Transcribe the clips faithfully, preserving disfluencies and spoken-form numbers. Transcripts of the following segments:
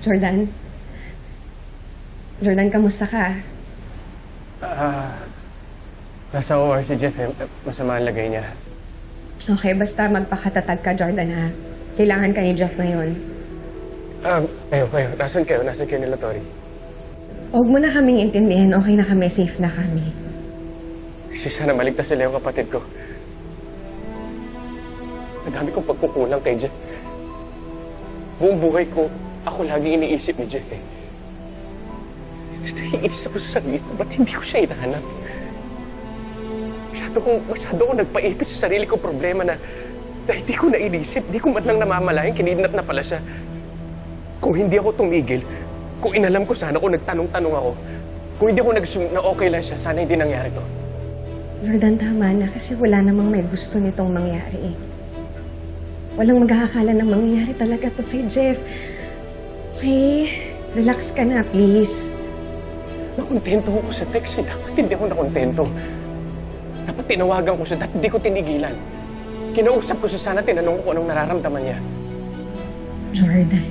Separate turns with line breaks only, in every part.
Jordan? Jordan, kamusta ka?
Ah, nasa O R si Jeff eh. Masama ang lagay niya.
Okay, basta magpakatatag ka, Jordan, ha? Kailangan ka ni Jeff ngayon.
Ah, kayo, kayo. Nasaan kayo? Nasaan kayo nila, Tori?
Huwag mo na kaming intindihin. Okay na kami. Safe na kami.
Kasi sana maligtas sila yung kapatid ko. Ang dami kong pagkukulang kay Jeff. Buong buhay ko, ako lagi iniisip ni Jeff eh. Naiinis ako sa sarili ko. Ba't hindi ko siya hinahanap? Masyado kong, masyado kong nagpaipit sa sarili ko problema na, na hindi ko nainisip. Hindi ko man lang namamalayan. Kinidnap na pala siya. Kung hindi ako tumigil, kung inalam ko sana, kung nagtanong-tanong ako, kung hindi ako nag-assume na okay lang siya, sana hindi nangyari to.
Jordan, tama na. Kasi wala namang may gusto nitong mangyari eh. Walang mag-aakala na mangyayari talaga to kay Jeff. Okay? Relax ka na, please.
Nakontento ako sa text eh. Dapat hindi ako nakontento. Dapat tinawagan ko siya. Dapat hindi ko tinigilan. Kinausap ko siya sana, tinanong ko kung anong nararamdaman niya.
Jordan,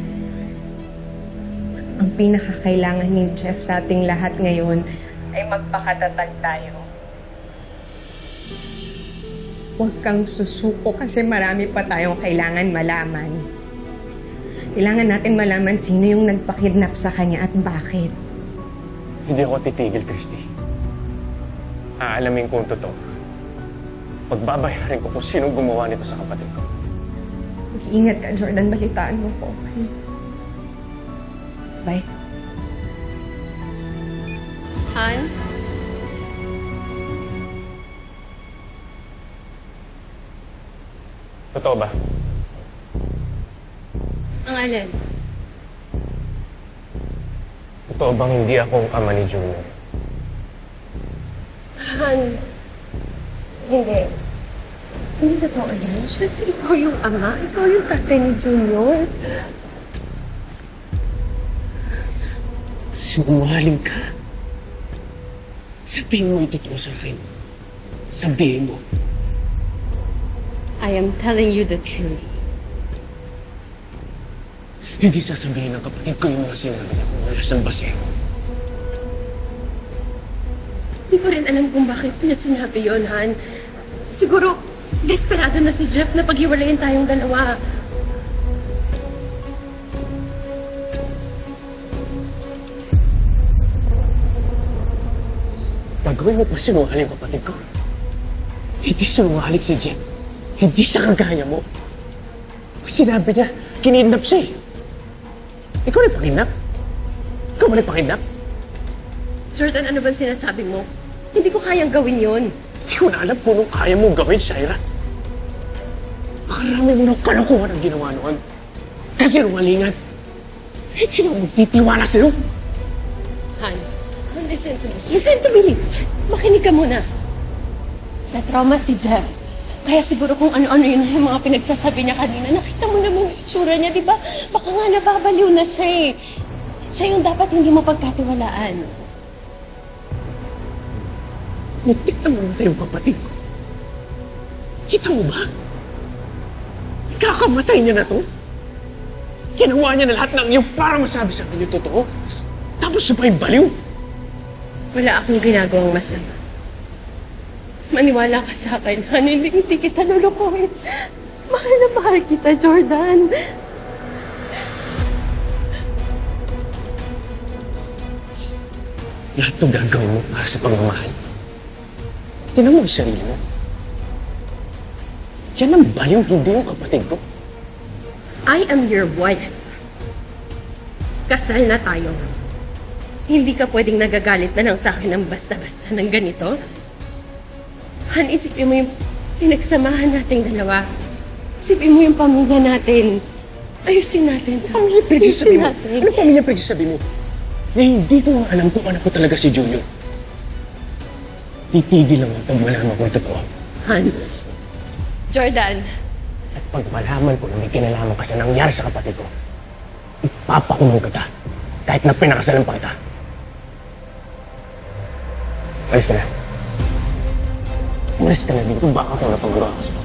ang pinakakailangan ni Jeff sa ating lahat ngayon ay magpakatatag tayo. Huwag kang susuko kasi marami pa tayong kailangan malaman. Kailangan natin malaman sino yung nagpakidnap sa kanya at bakit.
Hindi ako titigil, Christy. Aalamin ko ang totoo. Pagbabayarin ko kung sinong gumawa nito sa kapatid ko.
Mag-iingat ka, Jordan. Balitaan mo ko, okay? Bye.
Han?
Totoo ba?
Ang alin?
Totoo bang hindi akong ama ni Junior?
Han? Hindi. Hindi totoo yan. Siyempre, ikaw yung ama. Ikaw yung tatay ni Junior.
Sinungaling ka. Sabihin mo yung totoo sa akin. Sabihin mo.
I am telling you the truth.
Hindi sasabihin ng kapatid ko yung mga sinabi niya kung wala siyang basehan.
Hindi ko rin alam kung bakit niya sinabi yun, Han. Siguro, desperado na si Jeff na paghiwalayin tayong dalawa.
Gagawin mo pa sinungaling kapatid ko. Hindi sinungaling si Jeff. Hindi sa kagaya mo. Sinabi niya, kinidnap siya eh. Ikaw na pakinap? Ikaw ba na pakinap?
Jordan, ano bang sinasabi mo? Hindi ko kayang gawin yun.
Hindi ko na alam kung anong kaya mong gawin, Shaira. Makarami mo ng kalokohan ang ginawa noon. Kasi rungalingan. Hindi na ako magtitiwala sa'yo.
Han, Han, listen to me. Listen to me! Makinig ka muna. Na-trauma si Jeff. Kaya siguro kung ano-ano yun yung mga pinagsasabi niya kanina. Nakita mo naman yung itsura niya, di ba? Baka nga nababaliw na siya eh. Siya yung dapat hindi mo pagkatiwalaan.
Nagtikta mo na yung kapatid ko. Kita mo ba? Kakamatay niya na to. Ginawa niya na lahat ng iyo para masabi sa akin yung totoo. Tapos siya pa yung baliw.
Wala akong ginagawang masama. Maniwala ka sa akin, Han. Hindi, hindi kita lulukuhin. Mahal na mahal kita, Jordan.
Lahat ng gagawin mo para sa pagmamahal. Tinan mo yung sarili mo. Yan ang baliw, hindi yung kapatid ko.
I am your wife. Kasal na tayo. Hindi ka pwedeng nagagalit na lang sa akin ng basta-basta ng ganito. Han, isipin mo yung pinagsamahan nating dalawa. Isipin mo yung pamilya natin. Ayusin natin.
Pamilya pinagsasabi mo?
natin.
Ano pamilya pinagsasabi mo? Na hindi ko nga alam kung ano ko talaga si Junior. Titigil lang ang pag malaman ko yung totoo.
Hans. Jordan.
At pag malaman ko na may kinalaman ka sa nangyari sa kapatid ko, ipapakulong kita kahit na pinakasalan pa kita. Alis ka na. Umalis ka na dito, baka ako napagawa ko sa'yo.